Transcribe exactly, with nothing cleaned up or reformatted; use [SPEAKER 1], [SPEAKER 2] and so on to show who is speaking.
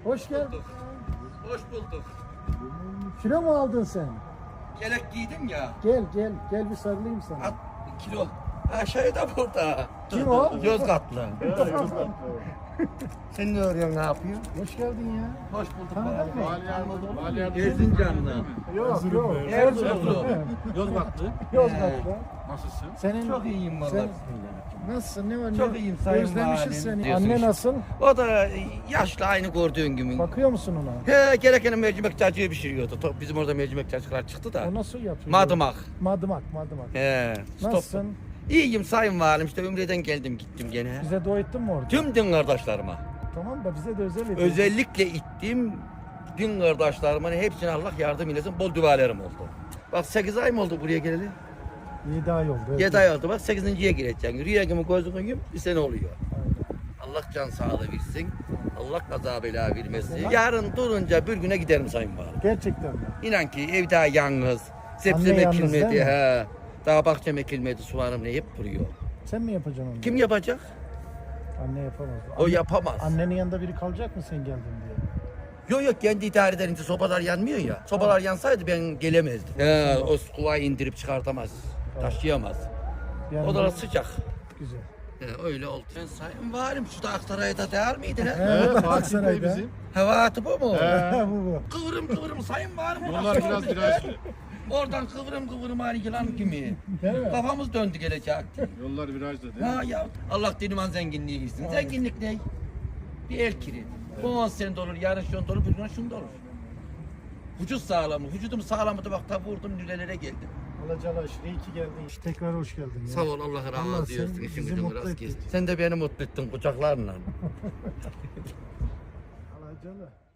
[SPEAKER 1] Hoş geldin.
[SPEAKER 2] Hoş bulduk.
[SPEAKER 1] Kilo mu aldın sen?
[SPEAKER 2] Yelek giydim ya.
[SPEAKER 1] Gel gel gel bir sarılayım sana.
[SPEAKER 2] At kilo. Aşağıda burada.
[SPEAKER 1] Kim o?
[SPEAKER 2] Yozgatlı. Sen ne arıyorsun, ne yapıyorsun?
[SPEAKER 1] Hoş geldin ya.
[SPEAKER 2] Hoş bulduk.
[SPEAKER 1] Tanıdın mı?
[SPEAKER 2] Erzincanlı.
[SPEAKER 1] Yok yok.
[SPEAKER 2] Erzurumlu.
[SPEAKER 3] Yozgatlı.
[SPEAKER 1] Yozgatlı.
[SPEAKER 3] Nasılsın?
[SPEAKER 1] Senin
[SPEAKER 2] Çok iyiyim vallahi.
[SPEAKER 1] sen- Nasılsın? Ne var?
[SPEAKER 2] Çok
[SPEAKER 1] ne?
[SPEAKER 2] iyiyim sayın
[SPEAKER 1] Özlemişiz
[SPEAKER 2] valim.
[SPEAKER 1] seni.
[SPEAKER 2] Diyorsun
[SPEAKER 1] Anne
[SPEAKER 2] işte.
[SPEAKER 1] nasıl?
[SPEAKER 2] O da yaşlı, aynı gördüğün gibi.
[SPEAKER 1] Bakıyor musun ona?
[SPEAKER 2] He, gereken mercimek cacığı pişiriyordu. To- Bizim orada mercimek cacıklar çıktı da.
[SPEAKER 1] O nasıl yapıyor?
[SPEAKER 2] Madımak.
[SPEAKER 1] Madımak, madımak.
[SPEAKER 2] He. stop.
[SPEAKER 1] Nasılsın?
[SPEAKER 2] İyiyim sayın valim. İşte Ümre'den geldim gittim gene.
[SPEAKER 1] Bize dua ettin mi orada?
[SPEAKER 2] Tüm din kardeşlerime.
[SPEAKER 1] Tamam da bize de özel et.
[SPEAKER 2] Özellikle ittim din kardeşlerimin hepsine Allah yardım eylesin. Bol dualarım oldu. Bak sekiz ay mı oldu buraya geleli?
[SPEAKER 1] yedi ay oldu. evet.
[SPEAKER 2] yedi ay oldu. Bak sekizinciye gireceksin. Rüya gibi gözünü yum bir sene oluyor.
[SPEAKER 1] Aynen.
[SPEAKER 2] Allah can sağlığı versin. Allah kaza bela vermesin. Yarın durunca bir güne giderim sayın valim.
[SPEAKER 1] Gerçekten mi?
[SPEAKER 2] İnan ki ev daha yalnız. Sebzem
[SPEAKER 1] Anne yalnız
[SPEAKER 2] ekilmedi.
[SPEAKER 1] değil mi?
[SPEAKER 2] He. Daha bahçem ekilmedi. Soğanım ne hep kuruyor.
[SPEAKER 1] Sen mi yapacaksın onu?
[SPEAKER 2] Kim yapacak?
[SPEAKER 1] Anne yapamaz.
[SPEAKER 2] O
[SPEAKER 1] Anne-
[SPEAKER 2] yapamaz.
[SPEAKER 1] Annenin yanında biri kalacak mı sen geldin diye?
[SPEAKER 2] Yok yok kendi idare edince sobalar yanmıyor ya. Sobalar yansaydı ben gelemezdim. He, o kuvayı indirip çıkartamaz. Taşıyamaz.
[SPEAKER 1] Yani
[SPEAKER 2] O da sıcak.
[SPEAKER 1] güzel.
[SPEAKER 2] He, öyle oldu. Ben sayın varim şu da Aksaray'da değer miydin he?
[SPEAKER 1] Evet,
[SPEAKER 3] Fatih Bey
[SPEAKER 1] Aksaray'da.
[SPEAKER 3] bizim.
[SPEAKER 2] Hevatı bu mu?
[SPEAKER 1] bu bu.
[SPEAKER 2] Kıvırım kıvırım sayın varim.
[SPEAKER 3] Yollar biraz biraz
[SPEAKER 2] Oradan kıvırım kıvırım hani yılan gibi.
[SPEAKER 1] Değil mi?
[SPEAKER 2] Kafamız döndü gelecekti.
[SPEAKER 3] yollar virajda değil mi?
[SPEAKER 2] Ha ya Allah diniman zenginliği gitsin. Zenginlik ne? Bir el kiri. Bu on sene olur, yarın şunda olur, bir gün şunda olur. Vücut sağlamı, vücudum sağlamdı bak ta vurdum nürelere geldim.
[SPEAKER 1] Alacalı aşırı iyi ki geldin. Tekrar hoş geldin. Ya.
[SPEAKER 2] Sağ ol Allah
[SPEAKER 1] Allah
[SPEAKER 2] razı
[SPEAKER 1] sen
[SPEAKER 2] olsun. İşin
[SPEAKER 1] bizi
[SPEAKER 2] gücün
[SPEAKER 1] mutlu
[SPEAKER 2] rast
[SPEAKER 1] ettin.
[SPEAKER 2] gelsin. Sen de beni mutlu ettin kucaklarla.
[SPEAKER 1] Alacalı.